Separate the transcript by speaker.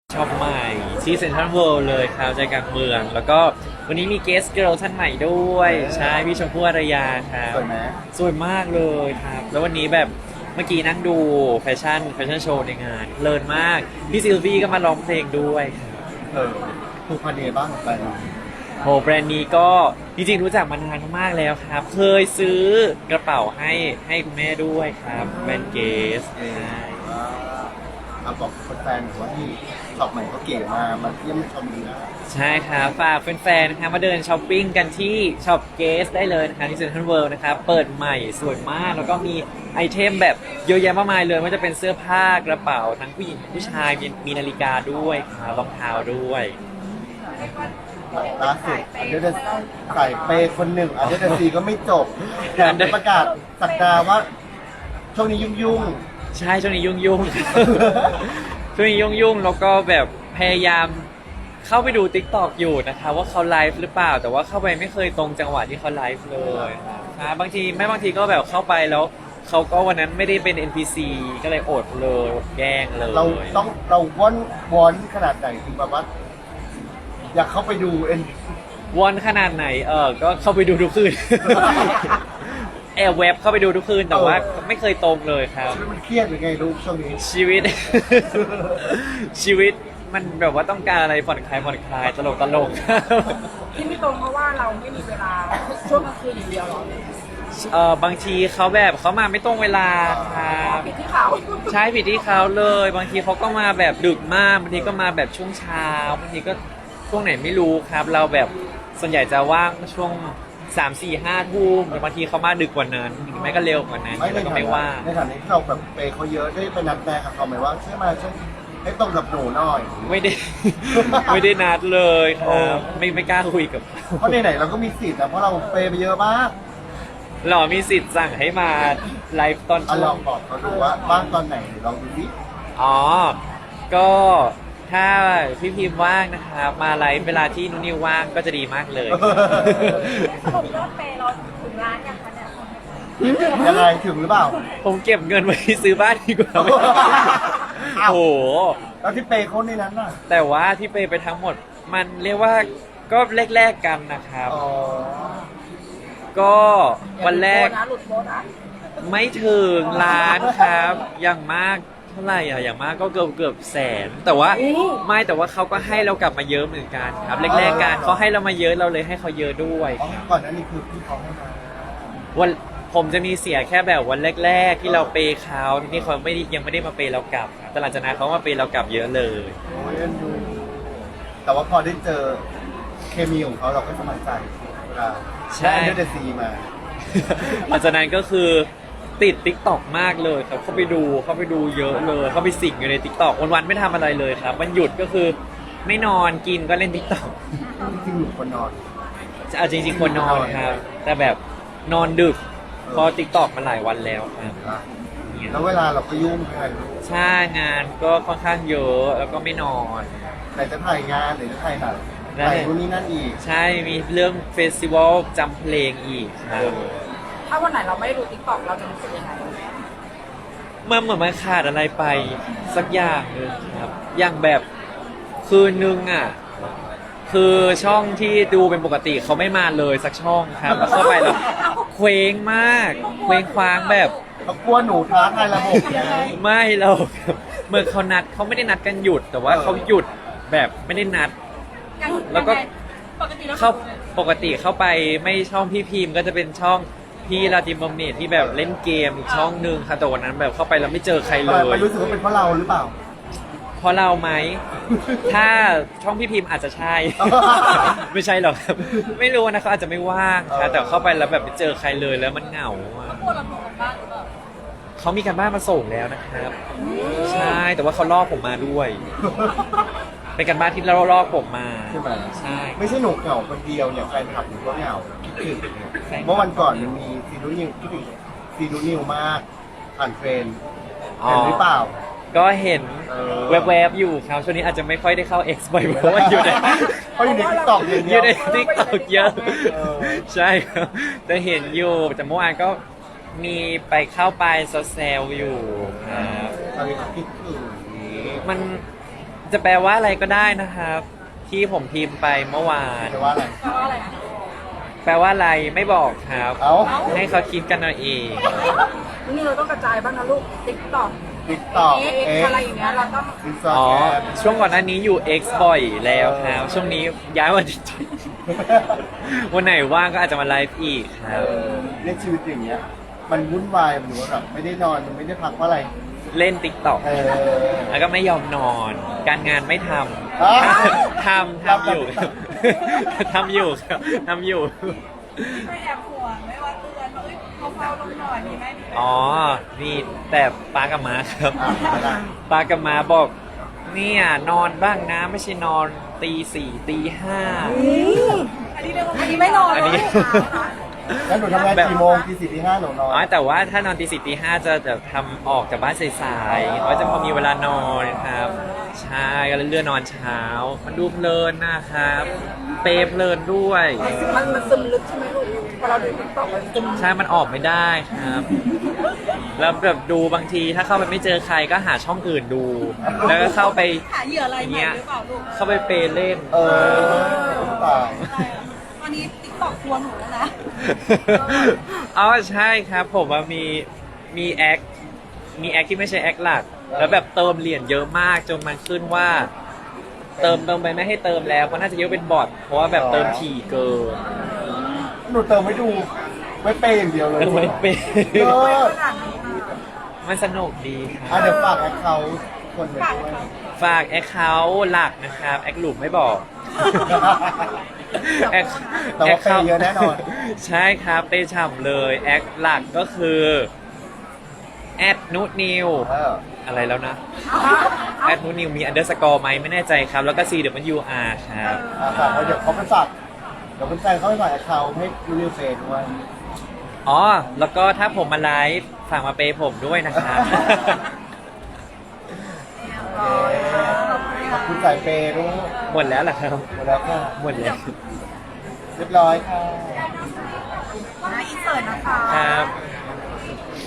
Speaker 1: ช็อปใหม่ที่เซ็นทรัลเวิลด์เลยครับใจกลางเมืองแล้วก็วันนี้มีเกสเกิร์ลท่านใหม่ด้วยใช่พี่ชมพู่อารยาครับ
Speaker 2: สวยไหม
Speaker 1: สวยมากเลยครับแล้ววันนี้แบบเมื่อกี้นั่งดูแฟชั่นโชว์ในงานเพลินมากพี่ซิลวี่ก็มาร้องเพลงด้วยครับ
Speaker 2: ผูกพันยังไงบ้างกับแบรนด์
Speaker 1: โหแบรนด์นี้ก็จริงๆรู้จักมานานมากแล้วครับเคยซื้อกระเป๋าให้คุณแม่ด้วยครับแบรนด์เกสใช่
Speaker 2: บอกแฟนๆว่าที่ช็อปใหม่เขาเก๋มาเยี่ยมชมดีนะ
Speaker 1: ใช่ครับฝากแฟนๆนะครับมาเดินช้อปปิ้งกันที่ช็อปเกสได้เลยนะครับที่เซ็นทรัลเวิลด์นะครับเปิดใหม่สวยมากแล้วก็มีไอเทมแบบเยอะแยะมากมายเลยไม่ว่าจะเป็นเสื้อผ้ากระเป๋าทั้งผู้หญิงผู้ชายมีนาฬิกาด้วยครับรองเท้าด้วย
Speaker 2: ล่าสุดอันเดอร์ใส่เปย์คนหนึ่งอันเดอร์ซีก็ไม่จบแถมประกาศสักดาว่าช่วงนี้ยุ่ง
Speaker 1: ใช่ช่วงนี้ยุ่งๆ ช่วงนี้ยุ่งๆแล้วก็แบบพยายามเข้าไปดู TikTok อยู่นะคะว่าเขาไลฟ์หรือเปล่าแต่ว่าเข้าไปไม่เคยตรงจังหวะที่เขาไลฟ์เลยบางทีก็แบบเข้าไปแล้วเขาก็วันนั้นไม่ได้เป็น NPC ก็เลยอดเลยอดแกล้งเลย
Speaker 2: เราวอนขนาดไหนถึงแบบว่าอยากเข้าไปดู
Speaker 1: วอนขนาดไหนก็เข้าไปดูทุกคืน แอบเว็บเข้าไปดูทุกคืนแต่ว่าไม่เคยตรงเลยครับ
Speaker 2: ชีวิตมันเครียดหรือไงลูกช่วงนี้
Speaker 1: ชีวิต ชีวิตมันแบบว่าต้องการอะไรผ่อนคลายตลก
Speaker 3: ที่ไม่ตรงเพราะว่าเราไม่มีเวลาช่วงกลางคืนอย่างเดียวหรอ
Speaker 1: บางทีเขาแบบเขามาไม่ตรงเวลาครับ
Speaker 3: ผิดที่เขา
Speaker 1: ใช่ผิดที่เขาเลยบางทีเขาก็มาแบบดึกมากบางทีก็มาแบบช่วงเช้าบางทีก็ช่วงไหนไม่รู้ครับเราแบบส่วนใหญ่จะว่างช่วง3-4-5 ทุ่มแต่บางทีเขามาดึกกว่านั้นหรือไม่ก็เร็วกว่านั้นแล้วก็ไม่ว่าง
Speaker 2: ในฐานะที่เราแบบเปย์เขาเยอะได้ไปนัดแนะกับเขาไหมว่าช่วยมาช่วยให้ตรงกับหนูหน่อย
Speaker 1: ไม่ได้ ไม่ได้นัดเลยครับไม่กล้าคุยกับเขา
Speaker 2: เพราะไหนๆเราก็มีสิทธิ์นะเพราะเราเปย์ไปเยอะมาก
Speaker 1: หรอมีสิทธิ์สั่งให้มาไลฟ์ตอนช่ว
Speaker 2: ลอง งบอกเขาดูว่าบ้างตอนไหนลองดูสิ
Speaker 1: อ๋อก็ถ้าพี่พิมพ์ว่างนะครับมาไลฟ์เวลาที่นุนิวว่างก็จะดีมากเลย
Speaker 3: สรุปยอดเปย์เราถึงล้านยังคะเนี่ย
Speaker 2: ยังไงถึงหรือเปล่า
Speaker 1: ผมเก็บเงินไว้ซื้อบ้านดีกว่า
Speaker 2: อ้าว
Speaker 1: โอ้โห
Speaker 2: แล้วที่เปย์เขาในนั้นน่ะ
Speaker 1: แต่ว่าที่ไปทั้งหมดมันเรียกว่าก็แรกๆกันนะครับ
Speaker 2: อ๋อ
Speaker 1: ก็วันแรก
Speaker 3: หลุดโบนัส
Speaker 1: ไม่ถึงล้านครับอย่างมากเท่าไหร่อ่ะอย่างมากก็เกือบแสนแต่ว่าเขาก็ให้เรากลับมาเยอะเหมือนกันครับแรกๆกันเขาให้เรามาเยอะเราเลยให้เขาเยอะด้วย
Speaker 2: อ๋อก่อนหนั้นนี่คือที่เขาให้มา
Speaker 1: วันผมจะมีเสียแค่แบบวันแรกๆที่เราเปย์เขาที่เขายังไม่ได้มาเปย์เรากลับครับแต่หลังจากนั้นเขามาเปย์เรากลับเยอะเลย
Speaker 2: โอ้ยเอ็นดูแต่ว่าพอได้เจอเคมีของเขาเราก็สบายใจเวลา
Speaker 1: ใช่
Speaker 2: ได้เดซีมา
Speaker 1: หลังจากนั้นก็คือติด TikTok มากเลยครับเข้าไปดูเยอะเลยเข้าไปสิงอยู่ใน TikTok วันๆไม่ทำอะไรเลยครับวันหยุดก็คือไม่นอนกินก็เล่น TikTok
Speaker 2: จริงๆหนูคนนอน
Speaker 1: จริงๆควรนอนครับแต่แบบนอนดึกเพอ TikTok มาหลายวันแล้วครับ
Speaker 2: แล้วเวลาเราก็ยุ่งกัน
Speaker 1: ใช่งานก็ค่อนข้างเยอะแล้วก็ไม่นอน
Speaker 2: ไหนจะถ่ายงานไหนจะถ่ายหนัง
Speaker 1: นั่น
Speaker 2: ถ่าย
Speaker 1: แหละ
Speaker 2: นู่นนี่นั่นอีก
Speaker 1: ใช่มีเรื่องเฟสติวัลจำเพลงอีกครับ
Speaker 3: ถ้าวันไหนเราไม่ได้ดูติ๊กต็อกเราจะรู้สึกยังไง
Speaker 1: มันเหมือนมันขาดอะไรไปสักอย่างหนึงครับ อย่างแบบคืนนึงอ่ะ คือช่องที่ดูเป็นปกติเขาไม่มาเลยสักช่องครับแล้วเข้าไปแล้วเคว้งมากเคว้งคว้างแบบ
Speaker 2: เขากลัวหนูท้าทายระบบไง
Speaker 1: ไม่เราเหมื่อนเขาไม่ได้นัดกันหยุด แต่ว่าเขาหยุดแบบไม่ได้นัด แล้วก็
Speaker 3: ปกติแล้ว
Speaker 1: ปกติเข้าไปไม่ช่องพี่พิมพ์ก็จะเป็นช่องพี่ลาติมบอมเนตที่แบบเล่นเกมอีกช่องหนึ่งค่ะแต่วันนั้นแบบเข้าไปแล้วไม่เจอใครเล
Speaker 2: ไม่
Speaker 1: ย
Speaker 2: รู้สึกว่าเป็นเพราะเราหรือเปล่า
Speaker 1: เพราะเราไหม ถ้าช่องพี่พิมพ์อาจจะใช่ ไม่ใช่หรอกครับ ไม่รู้นะเขาอาจจะไม่ว่างครับแต่เข้าไปแล้วแบบไม่เจอใครเลยแล้วมันเหงาอะ
Speaker 3: พวกเราทำกันบ้านหรือเปล่า
Speaker 1: เขามีการบ้านมาส่งแล้วนะครับ ใช่แต่ว่าเขาล่อผมมาด้วย เป็นการบ้านที่ล่อผมมา
Speaker 2: ใช่ไหม
Speaker 1: ใช่
Speaker 2: ไม่ใช่หนูเหงาคนเดียวเนี่ยแฟนคลับหนูก็เหงาคิดถึง
Speaker 1: แฟนคลับ
Speaker 2: เมื่อวันก่อนมันมีซีนูนิวคิดถึงซีนูนิวมากผ่านเทรนด์เห็นหรือเปล่า
Speaker 1: ก็เห็น
Speaker 2: เออ
Speaker 1: แวบๆอยู่ครับช่วงนี้อาจจะไม่ค่อยได้เข้า X บ่อยเพราะว่าอยู่ใน
Speaker 2: เพราะอยู่ในทิกตอกอย่าง
Speaker 1: อ
Speaker 2: เดีย
Speaker 1: ยู่
Speaker 2: ว
Speaker 1: ใน TikTok เยอะ
Speaker 2: เออ
Speaker 1: ใช่ครับแต่เห็นอยู่แต่เมื่อวานก็มีไปเข้าไปแซวๆอยู่ครับ
Speaker 2: ตอนนี้เขาคิดถึง
Speaker 1: มันจะแปลว่าอะไรก็ได้นะครับ ที่ผมพิมพ์ไปเมื่อวาน
Speaker 2: จะว่าอะไร
Speaker 3: แปลว่าอะไรอะ
Speaker 1: แปลว่าอะไรไม่บอกครับ
Speaker 2: เอ้า
Speaker 1: ให้เขาคิดกันเอาเอง
Speaker 3: นี่เราต้องกระจายบ้างนะลูกติ๊กต็อก
Speaker 2: ติ๊กต็อก
Speaker 3: เอ็
Speaker 2: เอ็
Speaker 3: ก
Speaker 2: ก
Speaker 3: อะไรอย่างเงี้ยเราต้อง
Speaker 2: อินสตา
Speaker 1: อ๋อ
Speaker 2: แกรม
Speaker 1: ช่วงก่อนหน้านี้อยู่ X บ่อยแล้วครับ ช่วงนี้ย้ายวัน วันไหนว่างก็อาจจะมาไลฟ์อีกครับ
Speaker 2: เรียกชีวิตอย่างเงี้ย มันวุ่นวายมันหรือว่าแบบไม่ได้นอนมันไม่ได้พักเพราะอะไร
Speaker 1: เล่น TikTok
Speaker 2: เออ
Speaker 1: แล้วก็ไม่ยอมนอน การงานไม่ท
Speaker 2: อ้าว
Speaker 1: ำ ทำอยู่ ทำอยู่ครับทำอยู่
Speaker 4: ไม่แอบห่วงไม่ว่าเตือนว่าเอ้ยเขาเฝ้าลงหน่อยมีไหม
Speaker 1: อ๋อ นี่แต่ป้ากับม้าครับ
Speaker 2: อ่ะอะไร
Speaker 1: ป้ากับม้าบอกเนี่ยนอนบ้างนะไม่ใช่นอนตีสี่ตีห้า
Speaker 4: อันนี้เรียกว่าอันนี้ไม่นอน
Speaker 1: อันนี้
Speaker 2: แล้วหนูทำงานกี่โมงกี่สี่ที่ห้าหนูนอน
Speaker 1: อ๋อแต่ว่าถ้านอนตีสี่ตีห้าจะแบบทำออกจากบ้านสายๆเพราะจะพอมีเวลานอนครับ ใช่ก็เลยเลื่อนนอนเช้า มันดูเพลินนะครับ เปรย์เพลินด้วย
Speaker 3: มันซึมลึกใช่ไหมลูกพอเราดูติ๊กต็อกมันซึม
Speaker 1: ใช่ มันออกไม่ได้ครับ แล้วแบบดูบางทีถ้าเข้าไปไม่เจอใครก็หาช่องอื่นดู แล้วก็เข้าไป
Speaker 4: หาเหยื่ออะไรใหม่หรือเปล่าลูก
Speaker 1: เข้าไปเปย์เล่น
Speaker 2: เออตาย
Speaker 4: อะไรอะตอนนี้ติ๊กต็อกทัวร์หนูแล้วนะ
Speaker 1: อ๋อใช่ครับผมว่ามีแอคที่ไม่ใช่แอคหลัก แล้วแบบเติมเหรียญเยอะมากจนมันขึ้นว่า เติมไปไม่ให้เติมแล้วเพราะน่าจะเยอะเป็นบอทเพราะว่าแบบเติมถี่เกิน
Speaker 2: หนูเติมไม่ดู ไม่เปย์อย่างเดียวเลย
Speaker 1: ไม่เป็น
Speaker 2: เออ
Speaker 1: มันสนุกดีค
Speaker 2: อ่ะ
Speaker 1: รับ
Speaker 2: เดี๋ยวฝากแอคเคาท์คนหนึ่งด้วย
Speaker 1: ฝากแอคเคาท์หลักนะครับแอคหลุมไม่บอก แอค
Speaker 2: แต่ว่าเปย์เยอะแน่นอน
Speaker 1: ใช่ครับเปย์ฉ่ำเลยแอคหลักก็คือแอดนุนิว
Speaker 2: เออ
Speaker 1: อะไรแล้วนะแอดนุนิวมีอันเดอร์สกอร์ไหมไม่แน่ใจครับ แล้วก็ CWR ครับ
Speaker 2: อ่ะฝากไว้เดี๋ยวเขาไปฝากเดี๋ยวเป็นแฟนเขาไปฝากแอคเคาท์ให้ยูนิเฟย์ด้วย
Speaker 1: อ๋อ แล้วก็ถ้าผมมาไลฟ์ฝากมาเปย์ผมด้วยนะครับ
Speaker 2: ขอบคุณสายเปย์ด้วย
Speaker 1: หมดแล้วเหรอครับ
Speaker 2: หมดแล้วค่ะ
Speaker 1: หมดแล้ว
Speaker 2: เรียบร้อยค่ะ
Speaker 4: นะอินเสิร์ตนะคะ
Speaker 1: ครับ